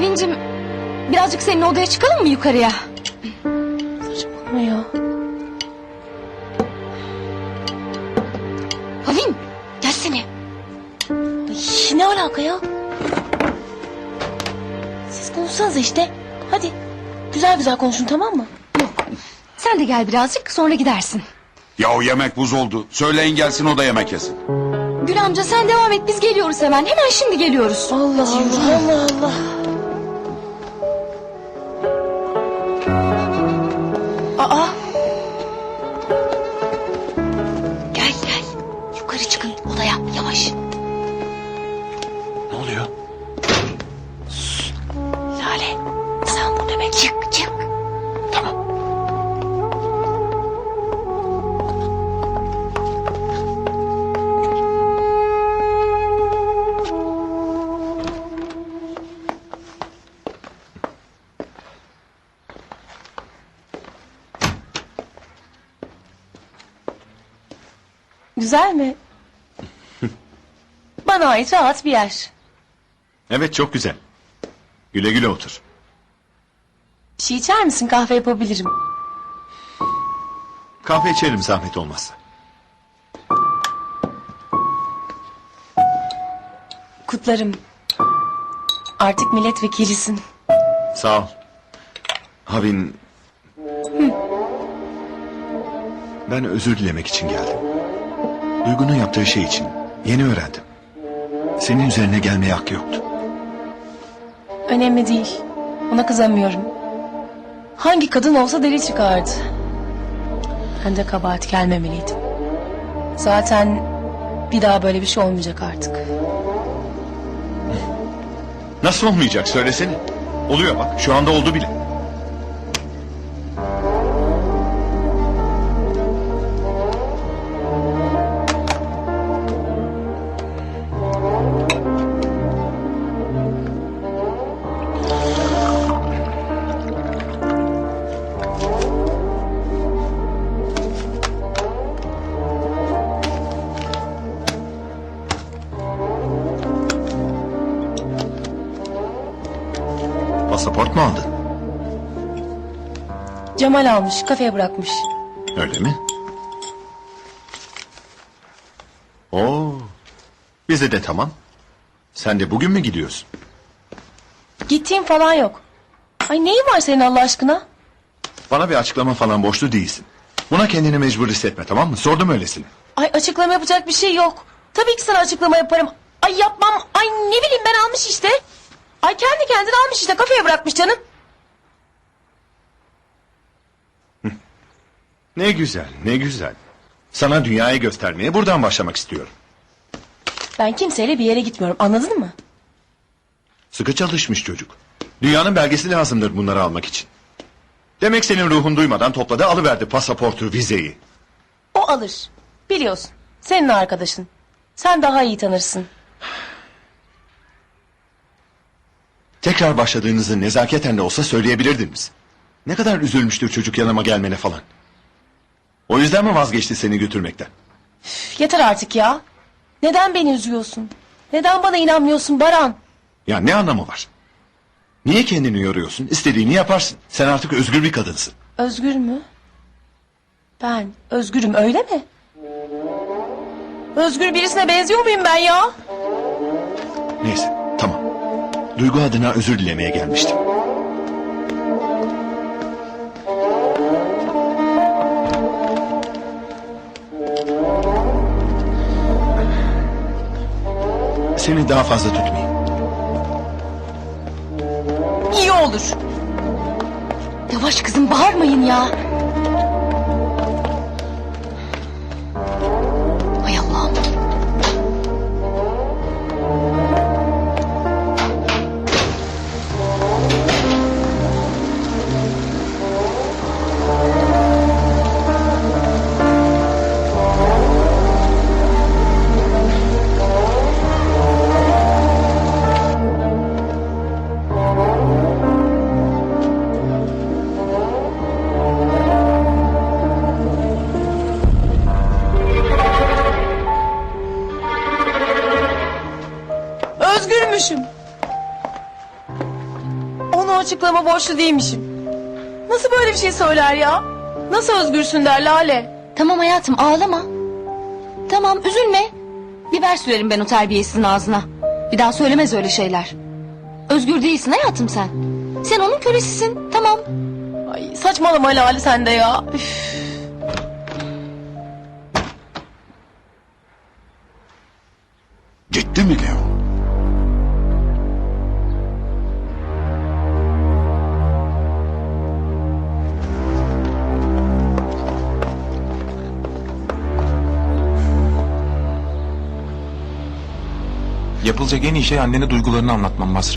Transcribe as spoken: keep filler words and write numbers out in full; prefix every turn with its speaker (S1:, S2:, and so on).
S1: Pavincim, birazcık senin odaya çıkalım mı yukarıya?
S2: Saçmalama ya.
S1: Pavin, gelsene.
S2: Ay, ne alaka ya? Siz konuşsanız işte. Hadi. Güzel güzel konuşun, tamam mı?
S1: Yok, sen de gel birazcık, sonra gidersin.
S3: Ya o yemek buz oldu. Söyleyin gelsin o da yemek yesin.
S1: Gül amca sen devam et, biz geliyoruz hemen. Hemen şimdi geliyoruz.
S2: Allah Allah Allah Allah. Aa,
S1: Gel gel, yukarı çıkın odaya, yavaş.
S3: Ne oluyor?
S1: Lale, sen burada bekle. Çık çık.
S3: Tamam.
S2: güzel mi? Bana ait rahat bir yer.
S4: Evet, çok güzel. Güle güle otur.
S2: Bir şey içer misin? Kahve yapabilirim.
S4: Kahve içerim zahmet olmazsa.
S2: Kutlarım. Artık milletvekilisin.
S4: Sağ ol. Havin... Ben özür dilemek için geldim. Duygu'nun yaptığı şey için yeni öğrendim. Senin üzerine gelmeye hakkı yoktu.
S2: Önemli değil. Ona kızamıyorum. Hangi kadın olsa deli çıkardı. Ben de kabahat gelmemeliydim. Zaten bir daha böyle bir şey olmayacak artık.
S4: Nasıl olmayacak söylesene. Oluyor bak, şu anda oldu bile. Pasaport mu aldın?
S2: Cemal almış, kafeye bırakmış.
S4: Öyle mi? Oo, bize de tamam. Sen de bugün mü gidiyorsun?
S2: Gittiğim falan yok. Ay neyin var senin Allah aşkına?
S4: Bana bir açıklama falan borçlu değilsin. Buna kendini mecbur hissetme, tamam mı? Sordum öylesine.
S2: Ay açıklama yapacak bir şey yok. Tabii ki sana açıklama yaparım. Ay yapmam. Ay ne bileyim ben almış işte. Ay kendi kendine almış işte, kafeye bırakmış canım.
S4: Ne güzel, ne güzel. Sana dünyayı göstermeye buradan başlamak istiyorum.
S2: Ben kimseyle bir yere gitmiyorum, anladın mı?
S4: Sıkı çalışmış çocuk. Dünyanın belgesi lazımdır bunları almak için. Demek senin ruhun duymadan topladı, alıverdi pasaportu, vizeyi.
S2: O alır. Biliyorsun. Senin arkadaşın. Sen daha iyi tanırsın.
S4: Tekrar başladığınızı nezaketen de olsa söyleyebilirdiniz. Ne kadar üzülmüştür çocuk yanıma gelmene falan. O yüzden mi vazgeçti seni götürmekten?
S2: Üf, yeter artık ya. Neden beni üzüyorsun? Neden bana inanmıyorsun Baran?
S4: Ya ne anlamı var? Niye kendini yoruyorsun? İstediğini yaparsın. Sen artık özgür bir kadınsın.
S2: Özgür mü? Ben özgürüm, öyle mi? Özgür birisine benziyor muyum ben ya?
S4: Neyse, tamam. Duygu adına özür dilemeye gelmiştim. Seni daha fazla tutmayayım.
S2: İyi olur.
S1: Yavaş kızım, bağırmayın ya. Hay Allah'ım.
S2: Özgürmüşüm. sana o açıklama borçlu değilmişim. Nasıl böyle bir şey söyler ya? Nasıl özgürsün der Lale.
S1: Tamam hayatım ağlama. Tamam üzülme. Biber sürerim ben o terbiyesizin ağzına. Bir daha söylemez öyle şeyler. Özgür değilsin hayatım sen. Sen onun kölesisin tamam.
S2: Ay saçmalama Lale sen de ya. Üf.
S3: Gitti mi Leo?
S5: Yapılacak en iyi şey annene duygularını anlatman Basri.